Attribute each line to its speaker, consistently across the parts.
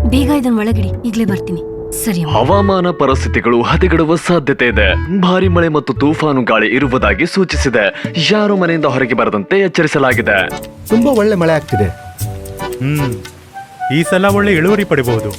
Speaker 1: ಬೇಗ ಇದನ್ನ ಒಳಗಿಡಿ, ಈಗ್ಲೇ ಬರ್ತೀನಿ. ಸರಿ.
Speaker 2: ಹವಾಮಾನ ಪರಿಸ್ಥಿತಿಗಳು ಹದಗೆಡುವ ಸಾಧ್ಯತೆ ಇದೆ. ಭಾರಿ ಮಳೆ ಮತ್ತು ತೂಫಾನು ಗಾಳಿ ಇರುವುದಾಗಿ ಸೂಚಿಸಿದೆ. ಯಾರು ಮನೆಯಿಂದ ಹೊರಗೆ ಬರದಂತೆ ಎಚ್ಚರಿಸಲಾಗಿದೆ.
Speaker 3: ತುಂಬಾ ಒಳ್ಳೆ ಮಳೆ ಆಗ್ತಿದೆ.
Speaker 4: ಈ ಸಲ ಒಳ್ಳೆ ಇಳುವರಿ ಪಡಿಬಹುದು.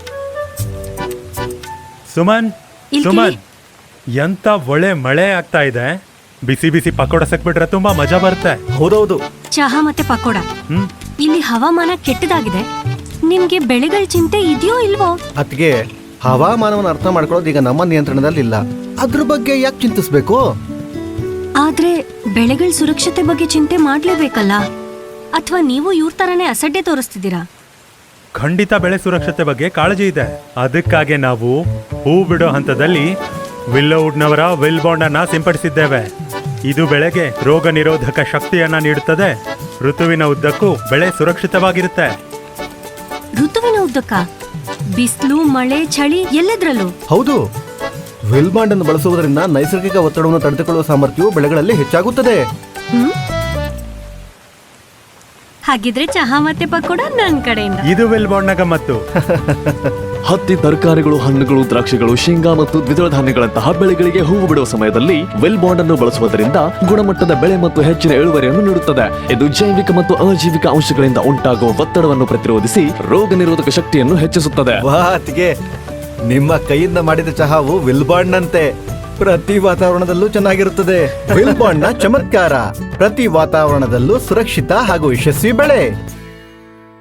Speaker 4: ಸುಮನ್, ಸುಮನ್, ಎಂತ ಒಳ್ಳೆ ಮಳೆ ಆಗ್ತಾ ಇದೆ. ಬಿಸಿ ಬಿಸಿ ಪಕೋಡ ಸಕ್ಬಿಟ್ರೆ ತುಂಬಾ ಮಜಾ ಬರುತ್ತೆ.
Speaker 3: ಹೌದೌದು.
Speaker 1: ಚಹಾ ಮತ್ತೆ ಪಕೋಡ. ಇಲ್ಲಿ ಹವಾಮಾನ ಕೆಟ್ಟದಾಗಿದೆ. ನಿಮ್ಗೆ ಬೆಳೆಗಳ ಚಿಂತೆ ಇದೆಯೋ ಇಲ್ವೋ?
Speaker 3: ಅದ್ಗೆ ಹವಾಮಾನವನ್ನು ಅರ್ಥ ಮಾಡ್ಕೊಳ್ಳೋದು ಈಗ ನಮ್ಮ ನಿಯಂತ್ರಣದಲ್ಲಿಲ್ಲ. ಅದ್ರ ಬಗ್ಗೆ ಯಾಕೆ ಚಿಂತಿಸ್ಬೇಕು?
Speaker 1: ಆದ್ರೆ ಬೆಳೆಗಳ ಸುರಕ್ಷತೆ ಬಗ್ಗೆ ಚಿಂತೆ ಮಾಡ್ಲೇಬೇಕಲ್ಲ? ಅಥವಾ ನೀವು ಇವ್ರ ತರನೇ ಅಸಡ್ಡೆ ತೋರಿಸ್ತಿದ್ದೀರಾ?
Speaker 4: ಖಂಡಿತ ಬೆಳೆ ಸುರಕ್ಷತೆ ಬಗ್ಗೆ ಕಾಳಜಿ ಇದೆ. ಅದಕ್ಕಾಗಿ ನಾವು ಹೂ ಬಿಡೋ ಹಂತದಲ್ಲಿ ವಿಲ್ಲೋವುಡ್ನವರ ವಿಲ್ ಬಾಂಡ್ ಅನ್ನ ಸಿಂಪಡಿಸಿದ್ದೇವೆ. ಇದು ಬೆಳೆಗೆ ರೋಗ ನಿರೋಧಕ ಶಕ್ತಿಯನ್ನ ನೀಡುತ್ತದೆ. ಋತುವಿನ ಉದ್ದಕ್ಕೂ ಬೆಳೆ ಸುರಕ್ಷಿತವಾಗಿರುತ್ತೆ.
Speaker 1: ಋತುವಿನ ಉದ್ದಕ್ಕ? ಬಿಸಿಲು, ಮಳೆ, ಚಳಿ ಎಲ್ಲದ್ರಲ್ಲೂ?
Speaker 3: ಹೌದು. ವಿಲ್ಬಾಂಡ್ ಅನ್ನು ಬಳಸುವುದರಿಂದ ನೈಸರ್ಗಿಕ ಒತ್ತಡವನ್ನು ತಡೆದುಕೊಳ್ಳುವ ಸಾಮರ್ಥ್ಯವು ಬೆಳೆಗಳಲ್ಲಿ ಹೆಚ್ಚಾಗುತ್ತದೆ.
Speaker 1: ಹಾಗಿದ್ರೆ ಚಹಾ ಮತ್ತೆ ಪಕೋಡ ನನ್ನ ಕಡೆಯಿಂದ.
Speaker 4: ಇದು ವಿಲ್ ಬಾಂಡ್ನ ಗಮ್ಮತ್ತು.
Speaker 2: ಹತ್ತಿ, ತರಕಾರಿಗಳು, ಹಣ್ಣುಗಳು, ದ್ರಾಕ್ಷಿಗಳು, ಶೇಂಗಾ ಮತ್ತು ದ್ವಿದಳ ಧಾನ್ಯಗಳಂತಹ ಬೆಳೆಗಳಿಗೆ ಹೂವು ಬಿಡುವ ಸಮಯದಲ್ಲಿ ವಿಲ್ ಬಾಂಡ್ ಅನ್ನು ಬಳಸುವುದರಿಂದ ಗುಣಮಟ್ಟದ ಬೆಳೆ ಮತ್ತು ಹೆಚ್ಚಿನ ಇಳುವರಿಯನ್ನು ನೀಡುತ್ತದೆ. ಇದು ಜೈವಿಕ ಮತ್ತು ಅಜೈವಿಕ ಅಂಶಗಳಿಂದ ಉಂಟಾಗುವ ಒತ್ತಡವನ್ನು ಪ್ರತಿರೋಧಿಸಿ ರೋಗ ನಿರೋಧಕ ಶಕ್ತಿಯನ್ನು ಹೆಚ್ಚಿಸುತ್ತದೆ.
Speaker 3: ನಿಮ್ಮ ಕೈಯಿಂದ ಮಾಡಿದ ಚಹಾವು ವಿಲ್ಬಾಂಡ್ ನಂತೆ ಪ್ರತಿ ವಾತಾವರಣದಲ್ಲೂ ಚೆನ್ನಾಗಿರುತ್ತದೆ. ವಿಲ್ಬಾಂಡ್ ನ ಚಮತ್ಕಾರ, ಪ್ರತಿ ವಾತಾವರಣದಲ್ಲೂ ಸುರಕ್ಷಿತ ಹಾಗೂ ಯಶಸ್ವಿ ಬೆಳೆ.